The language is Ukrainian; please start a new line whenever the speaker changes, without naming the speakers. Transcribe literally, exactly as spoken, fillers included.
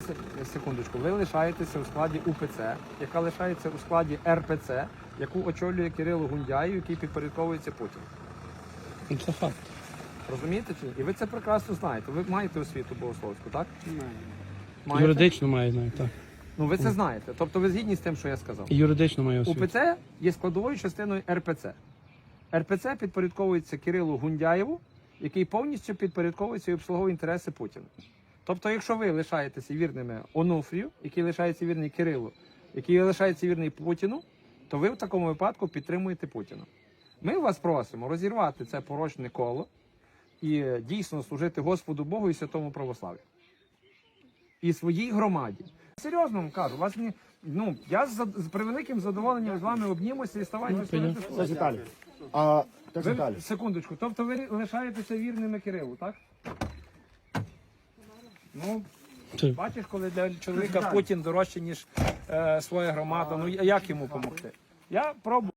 секундочку, ви лишаєтеся у складі У Пе Це, яка лишається у складі Ер Пе Це, яку очолює Кирило Гундяєв, який підпорядковується Путіну.
Це факт.
Розумієте чи ні? І ви це прекрасно знаєте. Ви маєте освіту богословську, так? Маєте?
Юридично маю знати, так.
Ну ви це знаєте. Тобто ви згідні з тим, що я сказав.
І юридично маю
У
освіту.
Пе Це є складовою частиною Ер Пе Це. Ер Пе Це підпорядковується Кирилу Гундяєву, який повністю підпорядковується і обслуговує інтереси Путіна. Тобто, якщо ви лишаєтеся вірними Онуфрію, який лишається вірний Кирилу, який лишається вірний Путіну, то ви в такому випадку підтримуєте Путіна. Ми вас просимо розірвати це порочне коло і дійсно служити Господу Богу і святому православ'ю. І своїй громаді. Серйозно вам кажу, вас не, ну, я з, з превеликим задоволенням з вами обнімуся і ставайте служити
Це
Слову.
Віталій. А, так,
Ви,
Віталій.
секундочку, тобто ви лишаєтеся вірними Кирилу, так? Ну,
Це-
бачиш, коли для чоловіка Путін дорожче, ніж е, своя громада, ну як йому допомогти? Я пробую.